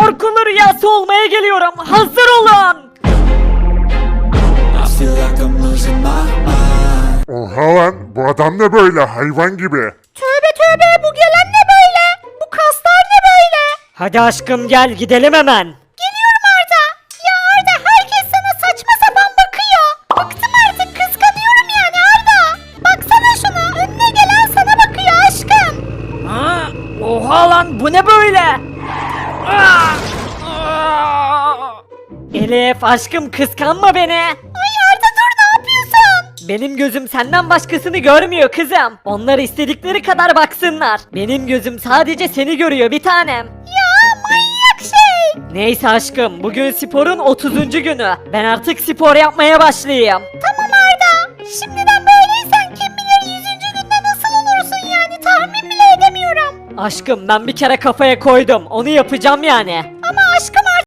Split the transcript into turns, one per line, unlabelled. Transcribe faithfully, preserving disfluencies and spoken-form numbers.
parkurlu rüyası olmaya geliyorum. Hazır olun.
I feel like I'm losing my mind.
Oha lan, bu adam ne böyle hayvan gibi.
Tövbe tövbe, bu gelen ne böyle? Bu kaslar ne böyle? Hadi aşkım gel gidelim hemen. Geliyorum Arda. Ya Arda, herkes sana saçma sapan bakıyor. Bıktım artık, kıskanıyorum yani Arda. Baksana şuna, önüne gelen sana bakıyor aşkım. Ha? Oha lan, bu ne böyle? Aa! Aa! Elif aşkım, kıskanma beni. Ay Arda dur, ne yapıyorsun? Benim gözüm senden başkasını görmüyor kızım. Onlar istedikleri kadar baksınlar. Benim gözüm sadece seni görüyor bir tanem. Ya manyak şey. Neyse aşkım, bugün sporun otuzuncu günü. Ben artık spor yapmaya başlayayım. Tamam Arda. Şimdiden böyleysen kim bilir yüzüncü günde nasıl olursun yani, tahmin bile edemiyorum. Aşkım ben bir kere kafaya koydum. Onu yapacağım yani. Ama aşkım